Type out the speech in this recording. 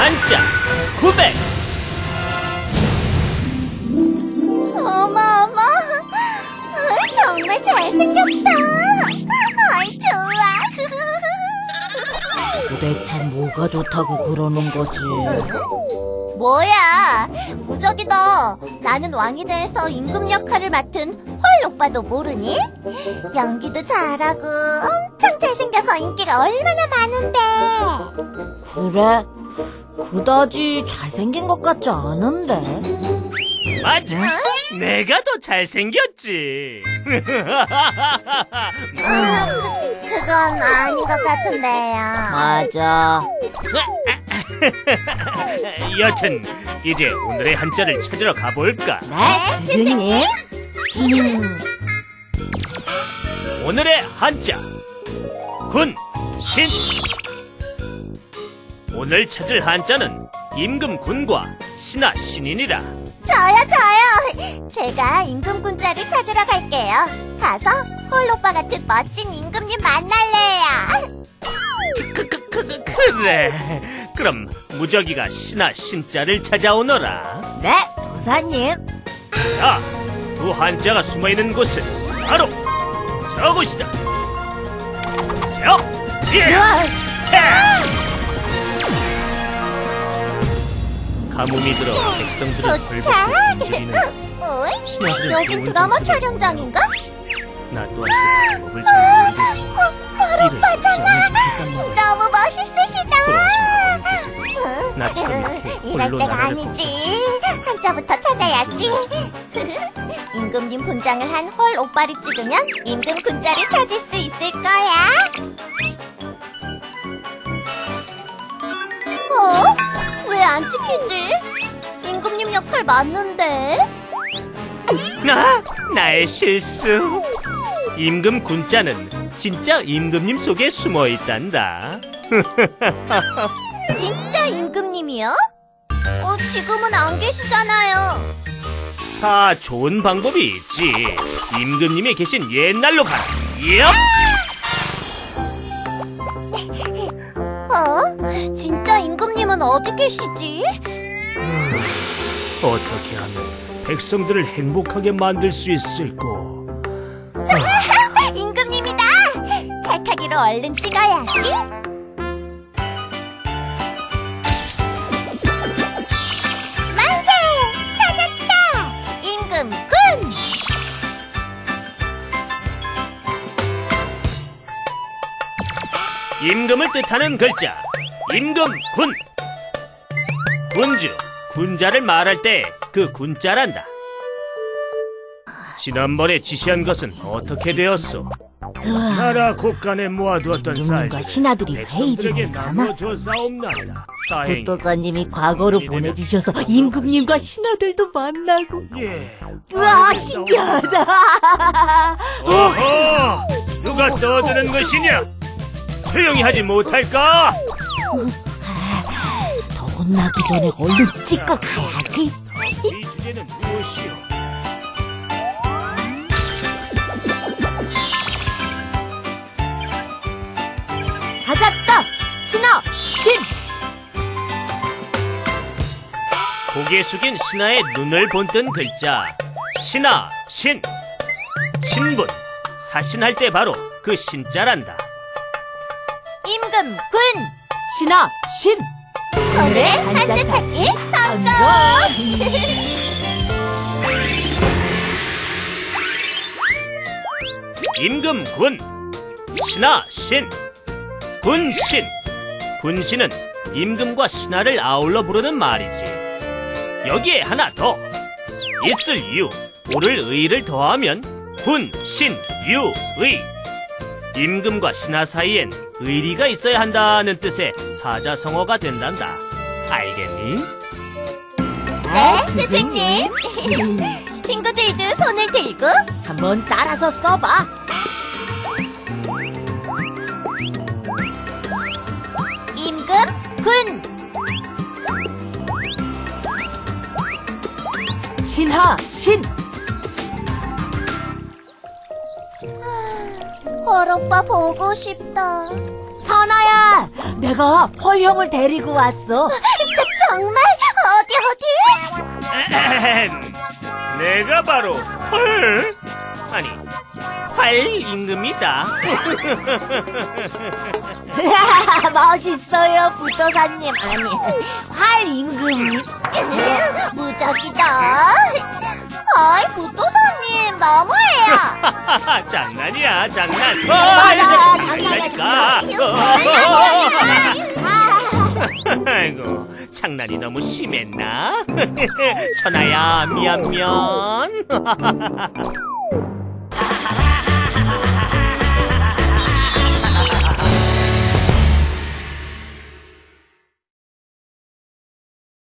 한자 900. 어머, 정말 잘생겼다. 아이, 좋아. 도대체 뭐가 좋다고 그러는 거지? 뭐야, 무적이다. 나는 왕이 돼서 임금 역할을 맡은 헐 오빠도 모르니? 연기도 잘하고 엄청 잘생겨서 인기가 얼마나 많은데. 그래? 그다지 잘생긴 것 같지 않은데? 맞아. 내가 더 잘생겼지. 그건 아닌 것 같은데요. 맞아. 여튼 이제 오늘의 한자를 찾으러 가볼까? 네, 스승님. 오늘의 한자 군, 신. 오늘 찾을 한자는 임금 군과 신하 신인이라. 저요. 제가 임금군자를 찾으러 갈게요. 가서 헐 오빠 같은 멋진 임금님 만날래요. 그래. 그럼 무적이가 신하 신자를 찾아오너라. 네, 도사님. 자, 두 한자가 숨어있는 곳은 바로 저곳이다. 가뭄이 들어 백성들을 도착. 벌벌 움직이는 어이? 신하들을 여긴 좋은 드라마 정신으로 촬영장인가? 나 또한 그 방법을 잘 모르겠어. 헐 오빠잖아. 너무 멋있으시다. 나처럼 이럴 때가 아니지. 한자부터 찾아야지. 임금님 분장을 한 헐 오빠를 찍으면 임금 군자를 찾을 수 있을 거야. 왜 안 찍히지? 임금님 역할 맞는데? 나의 실수. 임금 군자는 진짜 임금님 속에 숨어 있단다. 진짜 임금님이요? 지금은 안 계시잖아요. 다 좋은 방법이 있지. 임금님이 계신 옛날로 가라. 진짜 임금님은 어디 계시지? 어떻게 하면 백성들을 행복하게 만들 수 있을까? 임금님이다! 찰칵이로 얼른 찍어야지. 만세! 찾았다! 임금군! 임금을 뜻하는 글자 임금군. 군주, 군자를 말할 때 그 군자란다. 지난번에 지시한 것은 어떻게 되었소? 나라 곳간에 모아두었던 임금과 쌀들을 신하들이 회의 백성들에게 중이잖아. 나눠줬사옵나이다. 다행히 부도사님이 과거로 보내주셔서 임금님과 신하들도 만나고. 예. 우와, 신기하다. 어허! 누가 떠드는 것이냐? 조용히 하지 못할까? 더 혼나기 전에 얼른 찍고 가야지. 이 주제는 무엇이오? 찾았다. 신하, 신. 고개 숙인 신하의 눈을 본뜬 글자 신하, 신. 신분, 사신할 때 바로 그 신자란다. 임금군! 신하, 신. 오늘의 한자 찾기 성공! 임금군, 신하, 신. 군신. 군신은 임금과 신하를 아울러 부르는 말이지. 여기에 하나 더. 있을 유, 오를 의를 더하면 군신, 유, 의. 임금과 신하 사이엔 의리가 있어야 한다는 뜻의 사자성어가 된단다. 알겠니? 네, 스승님. 친구들도 손을 들고 한번 따라서 써봐. 임금군! 신하, 신. 헐 오빠 보고 싶다. 선아야, 내가 헐형을 데리고 왔어. 정말? 어디? 에헴. 내가 바로 헐 아니 활 임금이다. 멋있어요, 부도사님. 아니, 활 임금. 무적이다. 아이, 부도사님, 너무해요. 장난이야 장난. 맞아, 장난이니까. 장난이야. 아이고 장난이 너무 심했나? 천하야 미안.